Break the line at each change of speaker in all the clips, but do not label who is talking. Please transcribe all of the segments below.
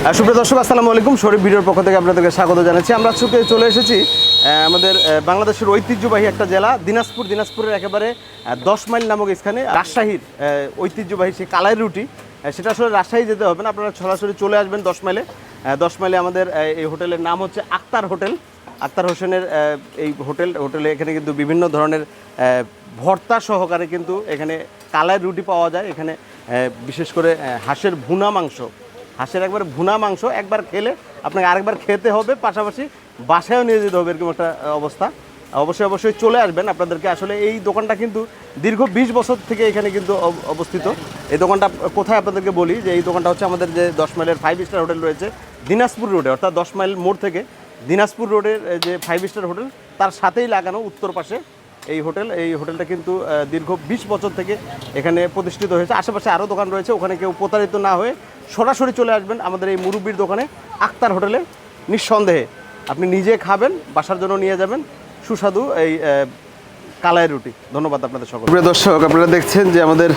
সুপ্রিয় দর্শক, আসসালামু আলাইকুম। শরীফ ভিডিওর পক্ষ থেকে আপনাদেরকে স্বাগত জানাচ্ছি। আমরা আজকে চলে এসেছি আমাদের বাংলাদেশের ঐতিহ্যবাহী একটা জেলা দিনাজপুরের একেবারে 10 মাইল নামক স্থানে রাজশাহীর ঐতিহ্যবাহী সেই কালাই রুটি। সেটা আসলে রাজশাহী যেতে হবে না, আপনারা সরাসরি চলে আসবেন 10 মাইলে। 10 মাইলে আমাদের এই হোটেলের নাম হচ্ছে আক্তার হোটেল। আক্তার হোসেনের এই হোটেলে এখানে কিন্তু বিভিন্ন ধরনের ভর্তা সহকারে কিন্তু এখানে কালাই রুটি পাওয়া যায়। এখানে বিশেষ করে হাঁসের একবার ভুনা মাংস একবার খেলে আপনাকে আরেকবার খেতে হবে, পাশাপাশি বাসায়ও নিয়ে যেতে হবে, এরকম একটা অবস্থা। অবশ্যই চলে আসবেন। আপনাদেরকে আসলে এই দোকানটা কিন্তু দীর্ঘ 20 বছর থেকে এখানে কিন্তু অবস্থিত। এই দোকানটা কোথায় আপনাদেরকে বলি যে এই দোকানটা হচ্ছে আমাদের যে 10 মাইলের 5 স্টার হোটেল রয়েছে দিনাজপুর রোডে, অর্থাৎ 10 মাইল মোড় থেকে দিনাজপুর রোডের যে 5 স্টার হোটেল তার সাথেই লাগানো উত্তর পাশে এই হোটেলটা কিন্তু দীর্ঘ 20 বছর থেকে এখানে প্রতিষ্ঠিত হয়েছে। আশেপাশে আরও দোকান রয়েছে, ওখানে কেউ প্রতারিত না হয়ে সরাসরি চলে আসবেন আমাদের এই মুরব্বির দোকানে আক্তার হোটেলে। নিঃসন্দেহে আপনি নিজে খাবেন, বাসার জন্য নিয়ে যাবেন সুস্বাদু এই কালাই রুটি। ধন্যবাদ আপনাদের সকল। প্রিয় দর্শক, আপনারা দেখছেন যে আমাদের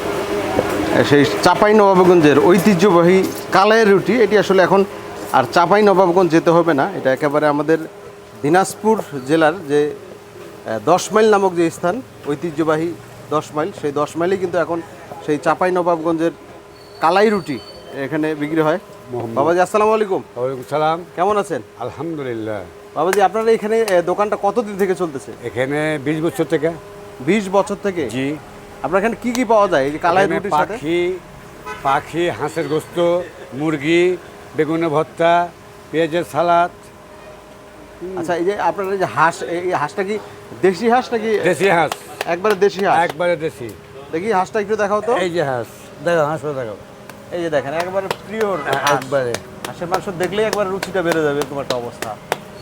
সেই চাঁপাইনবাবগঞ্জের ঐতিহ্যবাহী কালাই রুটি। এটি আসলে এখন আর চাঁপাইনবাবগঞ্জ যেতে হবে না, এটা একেবারে আমাদের দিনাজপুর জেলার যে 10 মাইল নামক যে স্থান, ঐতিহ্যবাহী 10 মাইল, সেই 10 মাইলেই কিন্তু এখন সেই চাঁপাইনবাবগঞ্জের কালাই রুটি এখানে বিক্রি হয়। বাবাজি, আসসালামু আলাইকুম।
ওয়ালাইকুম সালাম।
কেমন আছেন?
আলহামদুলিল্লাহ।
বাবাজি, আপনারা এখানে দোকানটা কতদিন থেকে চলতেছে?
এখানে 20 বছর থেকে।
20 বছর থেকে?
জি।
আপনার এখানে কি কি পাওয়া যায় এই যে কালাই রুটির সাথে?
পাখি, হাঁসের গোস্ত, মুরগি, বেগুনের ভর্তা, পেঁয়াজের সালাদ।
আচ্ছা, এই যে আপনার এই যে হাঁস, এই হাঁসটা কি দেশি হাঁস নাকি?
দেশি হাঁস।
একবারে দেশি হাঁস?
একবারে দেশি।
দেখি হাঁসটা একটু দেখাও তো।
এই যে হাঁস, দেখো হাঁসটা দেখো।
এই যে দেখেন, একবারে পিওর
একবারে
হাঁসের মাংস। দেখলেই একবার রুচিটা বেড়ে যাবে, এরকম একটা অবস্থা।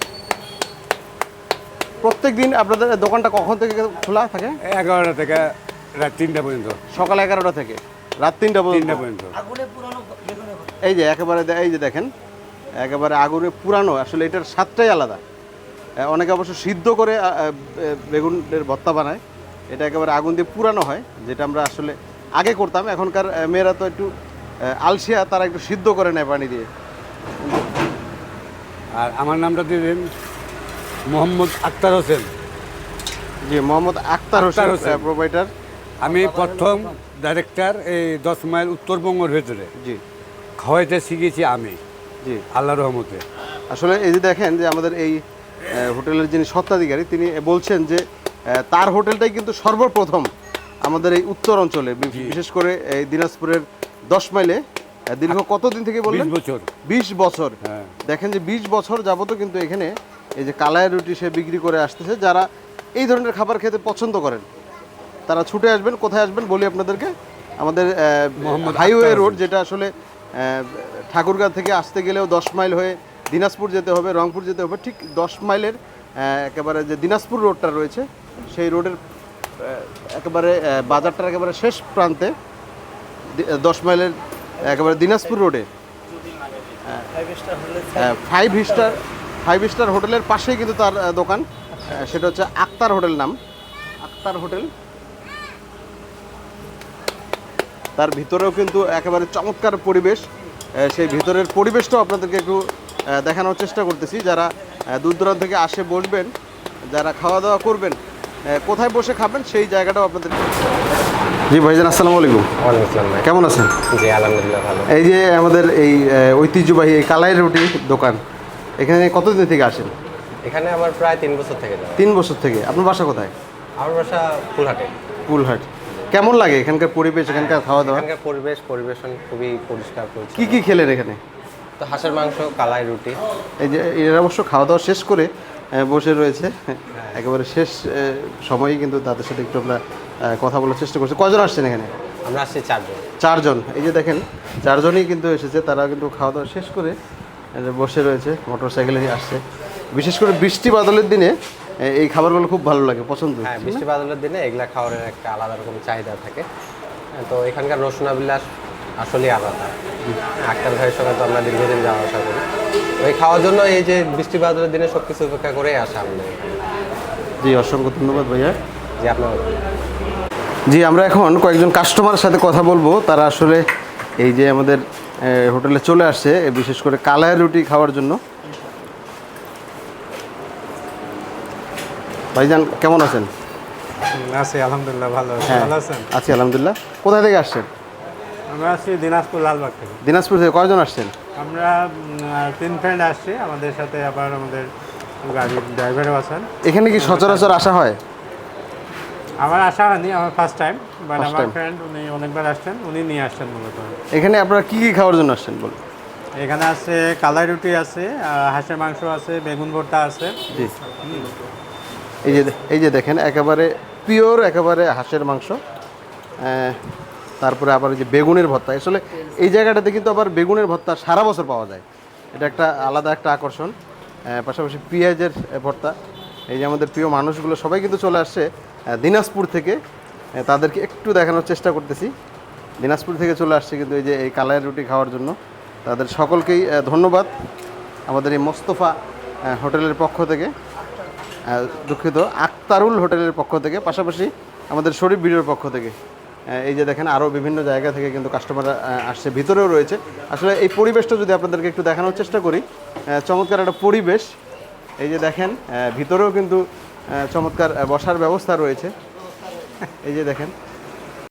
প্রত্যেক দিন আপনাদের দোকানটা কখন থেকে খোলা থাকে?
11টা থেকে রাত 3টা পর্যন্ত।
সকাল 11টা থেকে রাত 3টা পর্যন্ত। এই যে একেবারে এই যে দেখেন, একেবারে আগুনে পুরানো। আসলে এটার স্বাদটাই আলাদা। অনেকে অবশ্য সিদ্ধ করে বেগুনের ভর্তা বানায়, এটা একেবারে আগুন দিয়ে পুরানো হয়, যেটা আমরা আসলে আগে করতাম। এখনকার মেয়েরা তো একটু আলসিয়া, তারা একটু সিদ্ধ করে নেয় পানি দিয়ে।
আর আমার নামটা দিয়ে দিন, মোহাম্মদ আক্তার হোসেন।
জি, মোহাম্মদ আক্তার হোসেন, প্রোভাইডার।
আমি প্রথম ডাইরেক্টর এই 10 মাইল উত্তরবঙ্গের ভেতরে।
জি,
খাওয়াইতে শিখেছি আমি।
জি,
আল্লাহর রহমতে।
আসলে এই যে দেখেন যে আমাদের এই হোটেলের যিনি স্বত্বাধিকারী, তিনি বলছেন যে তার হোটেলটাই কিন্তু সর্বপ্রথম আমাদের এই উত্তর অঞ্চলে, বিশেষ করে এই দিনাজপুরের 10 মাইলে দীর্ঘ কতদিন থেকে বললেন?
20 বছর।
20 বছর।
হ্যাঁ।
দেখেন যে 20 বছর যাবত কিন্তু এখানে এই যে কালাই রুটি সে বিক্রি করে আসতেছে। যারা এই ধরনের খাবার খেতে পছন্দ করেন তারা ছুটে আসবেন। কোথায় আসবেন বলি আপনাদেরকে, আমাদের হাইওয়ে রোড, যেটা আসলে ঠাকুরগাঁ থেকে আসতে গেলেও 10 মাইল হয়ে দিনাজপুর যেতে হবে, রংপুর যেতে হবে। ঠিক 10 মাইলের একেবারে যে দিনাজপুর রোডটা রয়েছে, সেই রোডের একেবারে বাজারটার একেবারে শেষ প্রান্তে 10 মাইলের একেবারে দিনাজপুর রোডে 5 স্টার হোটেলের পাশেই কিন্তু তার দোকান। সেটা হচ্ছে আক্তার হোটেল নাম, আক্তার হোটেল। তার ভিতরেও কিন্তু একেবারে চমৎকার পরিবেশ। সেই ভিতরের পরিবেশটাও আপনাদেরকে একটু দেখানোর চেষ্টা করতেছি। যারা দূর দূরান্ত থেকে আসে বসবেন, যারা খাওয়া দাওয়া করবেন, কোথায় বসে খাবেন সেই জায়গাটাও আপনাদের। জি ভাইজান, আসসালামু আলাইকুম।
ওয়ালাইকুম আসসালাম ভাই।
কেমন আছেন?
জি আলহামদুলিল্লাহ ভালো।
এই যে আমাদের এই ঐতিহ্যবাহী এই কালাই রুটি দোকান, এখানে কতদিন থেকে আসেন?
এখানে আমার প্রায় 3 বছর থেকে যাওয়া।
3 বছর থেকে। আপনার বাসা কোথায়?
আমার বাসা ফুলহাটে।
কুলহাট। কেমন লাগে এখানকার পরিবেশ, এখানকার খাওয়া দাওয়া?
এখানকার পরিবেশন খুবই পরিষ্কার পরিচ্ছন্ন।
কি কি খেলেন এখানে?
তো হাঁসের মাংস, কালাই রুটি।
এই যে এরা অবশ্য খাওয়া দাওয়া শেষ করে বসে রয়েছে, একেবারে শেষ সময়ই কিন্তু তাদের সাথে একটু আমরা কথা বলার চেষ্টা করছি। কজন আসছেন এখানে?
আমরা আসছি 4 জন।
4 জন। এই যে দেখেন 4 জনই কিন্তু এসেছে, তারা কিন্তু খাওয়া দাওয়া শেষ করে বসে রয়েছে, মোটর সাইকেলে আসছে। বিশেষ করে বৃষ্টি বাদলের দিনে এই খাবারগুলো খুব ভালো লাগে, পছন্দ।
হ্যাঁ, বৃষ্টি বাদলের দিনে এগুলা খাওয়ার একটা আলাদা রকম চাহিদা থাকে। তো এখানকার রসুনাবিলাস আসলেই আলাদা। আক্তার ভাইয়ের সঙ্গে তো আমরা দীর্ঘদিন যাওয়া আসা করি, ওই খাওয়ার জন্য এই যে বৃষ্টি বাদলের দিনে সব কিছু উপেক্ষা করেই আসা আমরা।
জি, অসংখ্য ধন্যবাদ ভাইয়া।
জি, আপনার।
জি, আমরা এখন কয়েকজন কাস্টমারের সাথে কথা বলবো। তারা আসলে এই যে আমাদের হোটেলে চলে আসছে বিশেষ করে কালাই রুটি খাওয়ার জন্য। ভাইজান কেমন আছেন?
আছি আলহামদুলিল্লাহ, ভালো আছি।
হ্যাঁ
ভালো আছেন?
আছি আলহামদুলিল্লাহ। কোথা থেকে আসছেন?
আমরা আছি দিনাজপুর লালবাগ থেকে।
দিনাজপুর থেকে কয়জন আসছেন?
আমরা 3 ফ্রেন্ড আসছি, আমাদের সাথে আবার আমাদের গাড়ির ড্রাইভারও আছেন।
এখানে কি সচরাচর আসা হয়?
আমার আসা হয়নি, আমার ফার্স্ট টাইম, বাট
First
আমার
time?
ফ্রেন্ড উনি অনেকবার আসছেন, উনি নিয়ে আসছেন মূলত।
এখানে আপনারা কি কি খাওয়ার জন্য আসছেন বলুন?
এখানে আছে কালাই রুটি আছে, হাঁসের মাংস আছে, বেগুন ভর্তা আছে।
জি, এই যে দেখেন একেবারে পিওর একেবারে হাঁসের মাংস, তারপরে আবার ওই যে বেগুনের ভর্তা। আসলে এই জায়গাটাতে কিন্তু আবার বেগুনের ভর্তা সারা বছর পাওয়া যায়, এটা একটা আলাদা একটা আকর্ষণ। পাশাপাশি পেঁয়াজের ভর্তা। এই যে আমাদের প্রিয় মানুষগুলো সবাই কিন্তু চলে আসছে দিনাজপুর থেকে, তাদেরকে একটু দেখানোর চেষ্টা করতেছি। দিনাজপুর থেকে চলে আসছে কিন্তু এই যে এই কালাই রুটি খাওয়ার জন্য। তাদের সকলকেই ধন্যবাদ আমাদের এই মোস্তফা হোটেলের পক্ষ থেকে, দুঃখিত আক্তারুল হোটেলের পক্ষ থেকে, পাশাপাশি আমাদের শরীফ ভিডিওর পক্ষ থেকে। এই যে দেখেন আরও বিভিন্ন জায়গা থেকে কিন্তু কাস্টমাররা আসছে, ভিতরেও রয়েছে। আসলে এই পরিবেশটা যদি আপনাদেরকে একটু দেখানোর চেষ্টা করি, চমৎকার একটা পরিবেশ। এই যে দেখেন ভিতরেও কিন্তু চমৎকার বসার ব্যবস্থা রয়েছে। এই যে দেখেন